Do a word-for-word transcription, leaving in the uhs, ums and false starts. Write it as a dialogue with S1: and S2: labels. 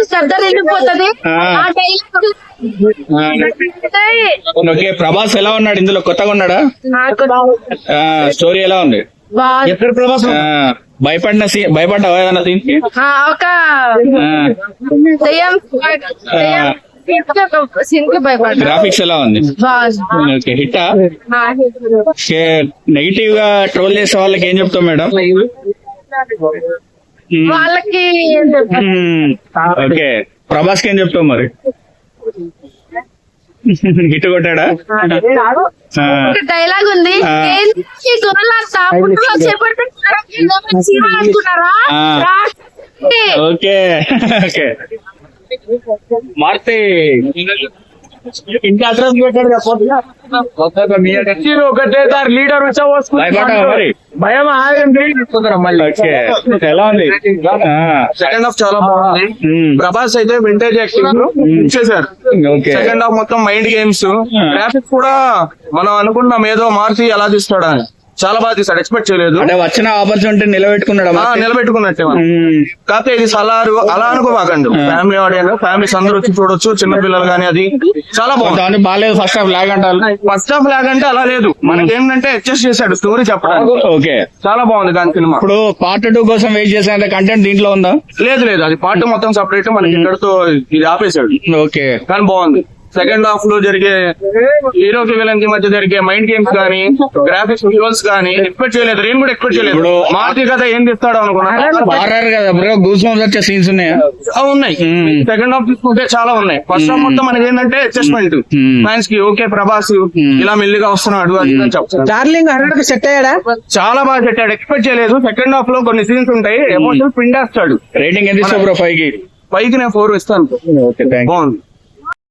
S1: శ్రద్ధ వెళ్ళిపోతుంది.
S2: ఓకే, ప్రభాస్ ఎలా ఉన్నాడు ఇందులో? కొత్తగా ఉన్నాడా? స్టోరీ ఎలా ఉంది?
S3: ఎక్కడ ప్రభాస్
S2: భయపడిన సీన్, భయపడ్డావా ఏదన్నా సీన్ కి?
S1: ఒక సీన్ కి భయపడ్డా.
S2: గ్రాఫిక్స్ ఎలా ఉంది? ఓకే, హిట్టా? నెగిటివ్ గా ట్రోల్ చేసే వాళ్ళకి ఏం చెప్తాం మేడం?
S1: వాళ్ళకి
S2: ఓకే, ప్రభాస్ కి ఏం చెప్తావు మరి? హిట్ కొట్టాడా?
S1: డైలాగ్ ఉంది,
S2: ఓకే ఓకే మారుతి ఇంకా అడ్రస్ పెట్టాడు
S3: ఒకటే సార్ లీడర్ వచ్చా
S2: మరి
S3: భయం మళ్ళీ.
S2: ఎలా ఉంది?
S3: సెకండ్ హాఫ్ చాలా బాగుంది. ప్రభాస్ అయితే వింటేజ్ యాక్టింగ్ ఇచ్చేసారు. సెకండ్ హాఫ్ మొత్తం మైండ్ గేమ్స్, గ్రాఫిక్స్ కూడా మనం అనుకున్నాం ఏదో మార్చి ఎలా తీస్తాడా అని. చాలా బాగా తీసాడు, ఎక్స్పెక్ట్ చేయలేదు.
S2: అంటే వచ్చిన ఆపర్చునిటీ నిలబెట్టుకున్నాడు.
S3: నిలబెట్టుకున్నట్టే. కాకపోతే ఇది సలారు అలా అనుకోమాకండి, ఫ్యామిలీ ఆడియన్స్, ఫ్యామిలీస్ అందరూ వచ్చి చూడొచ్చు, చిన్న పిల్లలు గానీ. అది చాలా బాగుంది.
S2: బాగాలేదు ఫస్ట్ హాఫ్ లాగ్ అంటారు.
S3: ఫస్ట్ హాఫ్ లాగ్ అంటే అలా లేదు, మనకి ఏంటంటే అడ్జస్ట్ చేశాడు స్టోరీ చెప్పడానికి.
S2: ఓకే,
S3: చాలా బాగుంది దాని సినిమా.
S2: ఇప్పుడు పార్ట్ టూ కోసం వెయిట్ చేసే కంటెంట్ దీంట్లో ఉందా?
S3: లేదు లేదు, అది పార్ట్ మొత్తం సపరేట్, మనకి ఇక్కడతో ఇది ఆపేశాడు.
S2: ఓకే,
S3: కానీ బాగుంది. సెకండ్ హాఫ్ లో జరిగే హీరోకి విలన్ కి మధ్య జరిగే మైండ్ గేమ్స్ కానీ, గ్రాఫిక్స్ విజువల్స్ కానీ ఎక్స్పెక్ట్ చేయలేదు. నేను కూడా ఎక్స్పెక్ట్ చేయలేదు. మార్తి కథ ఏం తీస్తాడో అనుకున్నా.
S2: కదా బ్రో, గూస్ బంప్స్ వచ్చే సీన్స్ ఉన్నాయి.
S3: ఉన్నాయి. సెకండ్ హాఫ్ తీసుకుంటే చాలా ఉన్నాయి. ఫస్ట్ హాఫ్ మొత్తం మనకి ఏంటంటే అడ్జస్ట్మెంట్, ఫ్యాన్స్ కి ఓకే ప్రభాస్ ఇలా మెల్లిగా వస్తున్నాడు అది చెప్తాను.
S4: డార్లింగ్ హండ్రెడ్ సెట్ అయ్యాడా?
S3: చాలా బాగా పెట్టాడు, ఎక్స్పెక్ట్ చేయలేదు. సెకండ్ హాఫ్ లో కొన్ని సీన్స్ ఉంటాయి, ఎమోషనల్ పిండేస్తాడు.
S2: రేటింగ్ ఎంత ఇస్తావు బ్రో? ఫైవ్ కి
S3: పైకి నేను ఫోర్ ఇస్తాను.
S2: బాగుంది.